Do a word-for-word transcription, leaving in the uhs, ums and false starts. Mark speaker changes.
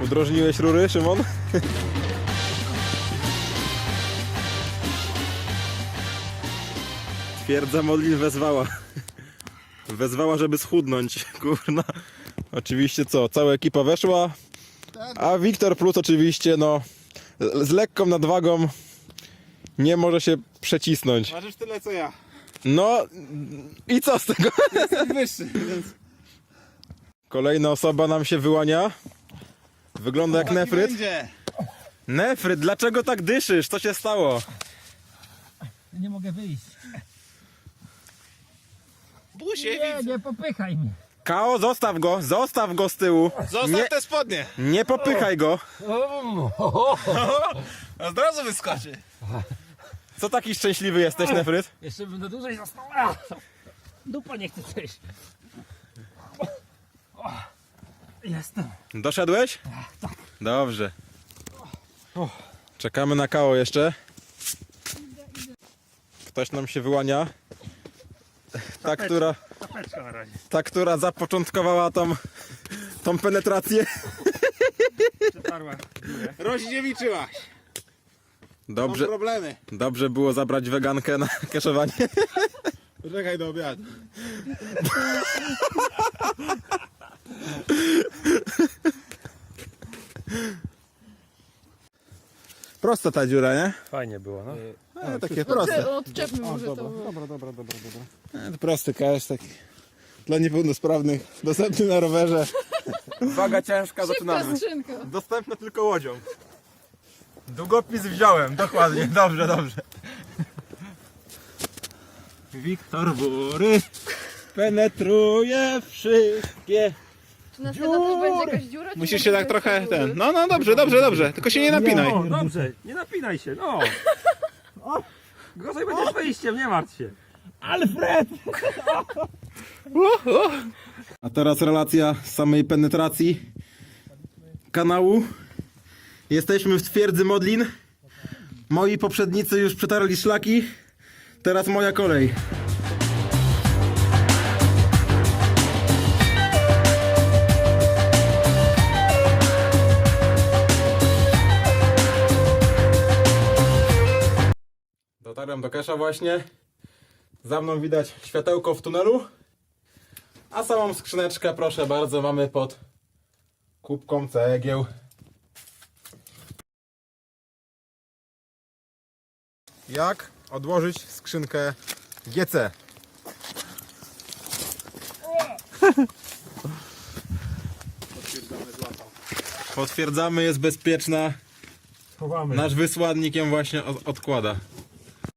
Speaker 1: Udrożniłeś rury, Szymon? Twierdza Modlin wezwała. Wezwała, żeby schudnąć, kurna. Oczywiście co, cała ekipa weszła, a Wiktor Plus oczywiście, no, z lekką nadwagą nie może się przecisnąć.
Speaker 2: Ważysz tyle co ja.
Speaker 1: No i co z tego?
Speaker 2: Jestem wyższy, więc...
Speaker 1: Kolejna osoba nam się wyłania. Wygląda jak Nefryt.
Speaker 2: Będzie.
Speaker 1: Nefryt, dlaczego tak dyszysz? Co się stało?
Speaker 3: Nie mogę wyjść.
Speaker 2: Busie,
Speaker 3: Nie,
Speaker 2: widzę.
Speaker 3: nie popychaj mnie.
Speaker 1: Kao, zostaw go, zostaw go z tyłu.
Speaker 2: Zostaw
Speaker 1: Nie,
Speaker 2: te spodnie.
Speaker 1: nie popychaj go.
Speaker 2: Od razu wyskoczy.
Speaker 1: Co taki szczęśliwy jesteś, Nefryt?
Speaker 3: Jeszcze bym na dłużej został. A! Dupa nie chce przejść. Jestem.
Speaker 1: Doszedłeś?
Speaker 3: Tak.
Speaker 1: Dobrze. Czekamy na Kao jeszcze. Ktoś nam się wyłania. Ta, która,
Speaker 3: Tapeczka na razie.
Speaker 1: ta, która zapoczątkowała tą, tą penetrację.
Speaker 3: Przetarła.
Speaker 2: Rozdziewiczyłaś. Mam
Speaker 1: Dobrze,
Speaker 2: problemy.
Speaker 1: dobrze było zabrać wegankę na kaszowanie.
Speaker 2: Poczekaj do obiadu. Prosta ta dziura, nie?
Speaker 3: Fajnie było, no.
Speaker 2: E, takie proste.
Speaker 4: Odczepmy może to.
Speaker 2: Dobra, dobra, dobra, dobra. E, to prosty cash, taki dla niepełnosprawnych, dostępny na rowerze.
Speaker 1: Waga ciężka,
Speaker 4: Szybka skrzynka.
Speaker 1: Dostępne tylko łodzią. Długopis wziąłem, dokładnie, dobrze, dobrze. Wiktor Bury penetruje wszystkie.
Speaker 4: Czy następna też będzie jakaś dziura? czy
Speaker 2: Musisz
Speaker 4: może
Speaker 2: się tak
Speaker 4: jest
Speaker 2: trochę
Speaker 4: to
Speaker 2: ten. No, no dobrze, dobrze, dobrze. Tylko się nie napinaj.
Speaker 3: No, dobrze, nie napinaj się, no. O, gorzej będzie z wyjściem, nie martw się. Alfred!
Speaker 1: A teraz relacja z samej penetracji kanału. Jesteśmy w twierdzy Modlin. Moi poprzednicy już przetarli szlaki. Teraz moja kolej. Dotarłem do Kesza właśnie. Za mną widać światełko w tunelu. A samą skrzyneczkę, proszę bardzo, mamy pod kubką cegieł. Jak odłożyć skrzynkę G C? Potwierdzamy, jest bezpieczna.
Speaker 3: Chowamy.
Speaker 1: Nasz wysłannik ją właśnie od- odkłada.